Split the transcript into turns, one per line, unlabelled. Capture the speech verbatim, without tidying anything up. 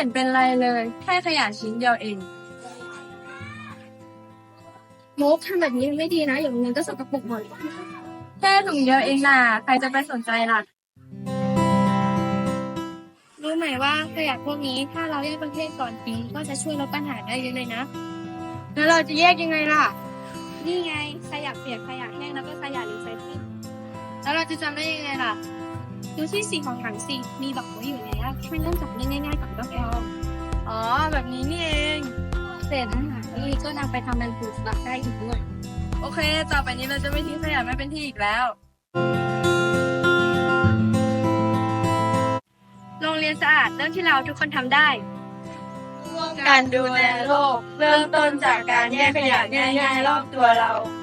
ห็นเป็นไรเลยแค่ขยะชิ้นเดียวเอง
มุกทำแบบนี้ไม่ดีนะอย่างนี้ก็สกปรกหมด
แค่ถุงเดียวเองน่ะใครจะไปสนใจล่ะ
รู้ไหมว่าขยะพวกนี้ถ้าเราแยกประเภทก่อนทิ้งก็จะช่วยลดปัญหาได้เยอะเลยนะ
แล้วเราจะแยกยังไงล่ะ
นี่ไงขยะเปียกขยะแห้งแล้วก็ขยะรีไซเคิล
แล้วเราจะจำได้ยังไงล่ะ
ดูที่สีของถังสิมีบอกไว้อยู่แล้วแค่เริ่มจากเรื่องง่ายๆก่อนก็พอ
อ๋อแบบนี้นี่เอง
เศษอาหารนี่ก็นำไปทำเป็นปุ๋ยหมักได้อีกด้วย
โอเคต่อไปนี้เราจะไม่ทิ้งขยะไม่เป็นที่อีกแล้ว
โรงเรียนสะอาดเรื่องที่เราทุกคนทำได้
การดูแลโลกเริ่มต้นจากการแยกขยะง่ายๆรอบตัวเรา